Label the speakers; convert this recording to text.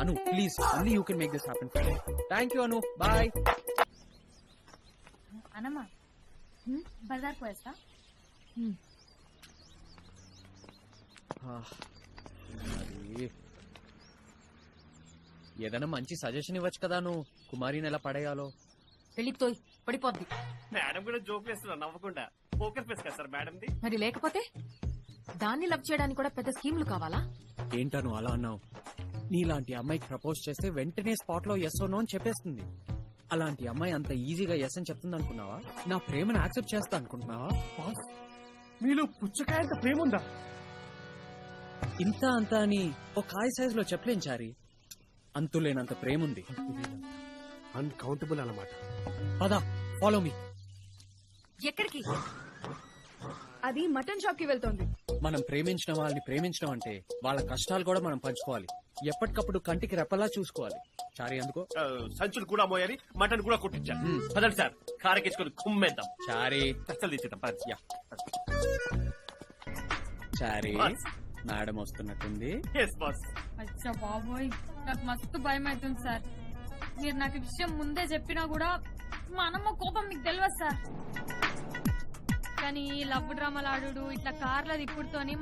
Speaker 1: Anu please only you can make this happen. Thank you Anu, bye.
Speaker 2: అనమ్మా బజార్ పోయేస్తా.
Speaker 1: ఏదైనా మంచి సజెషన్ ఇవ్వచ్చు కదా నువ్వు, కుమారిని ఎలా పడేయాలో.
Speaker 3: వెళ్ళిపోయి పడిపోద్ది.
Speaker 4: మేడం కూడా జోక్ వేస్తున్నా నవ్వకుండా. పోకర్ ఫేస్ కదా సార్ మేడంది.
Speaker 3: మరి లేకపోతే దాన్ని లవ్ చేయడానికి కూడా పెద్ద స్కీమ్లు కావాలా?
Speaker 1: ఏంటను అలా అన్నావు? నీలాంటి అమ్మాయికి ప్రపోజ్ చేస్తే వెంటనే స్పాట్ లో ఎస్ నో అని చెప్పేస్తుంది. అలాంటి అమ్మాయి అంత ఈజీగా ఎస్ అని చెప్తుంది అనుకున్నావా? నా ప్రేమను యాక్సెప్ట్ చేస్తా అనుకుంటున్నావా?
Speaker 4: మీలో పుచ్చకాయంత ప్రేమ ఉందా?
Speaker 1: ఇంత అంత అని ఒక కాయ సైజ్ లో చెప్పలేం చారి. అంతులేనంత ప్రేమ ఉంది.
Speaker 4: అన్కౌంటబుల్ అన్నమాట.
Speaker 1: పదా ఫాలో మీ.
Speaker 3: ఎక్కడికి?
Speaker 2: అది మటన్ షాప్ కి వెళ్తోంది.
Speaker 1: మనం ప్రేమించిన వాళ్ళని ప్రేమించడం అంటే వాళ్ళ కష్టాలు కూడా మనం పంచుకోవాలి. ఎప్పటికప్పుడు కంటికి రెప్పలా చూసుకోవాలి. చారి అందుకో.
Speaker 4: సంచులు కూడా మోయాలి, మటన్ కూడా కొట్టించాలి. పదండి సార్, కారెక్కించుకొని కుమ్మేద్దాం.
Speaker 1: చారి
Speaker 4: కష్టాలు తీసేద్దాం.
Speaker 1: యా. చారి మేడం వస్తున్నట్టుంది.
Speaker 2: అచ్చా బాబోయ్, నాకు మస్తు భయం అవుతుంది సార్. మీరు నాకు ఈ విషయం ముందే చెప్పినా కూడా మా అన్నమ్మ కోపం మీకు తెలియదు సార్. కానీ ఈ లవ్ డ్రామాలు ఆడు ఇట్లా కార్ల దిక్కుడుతోని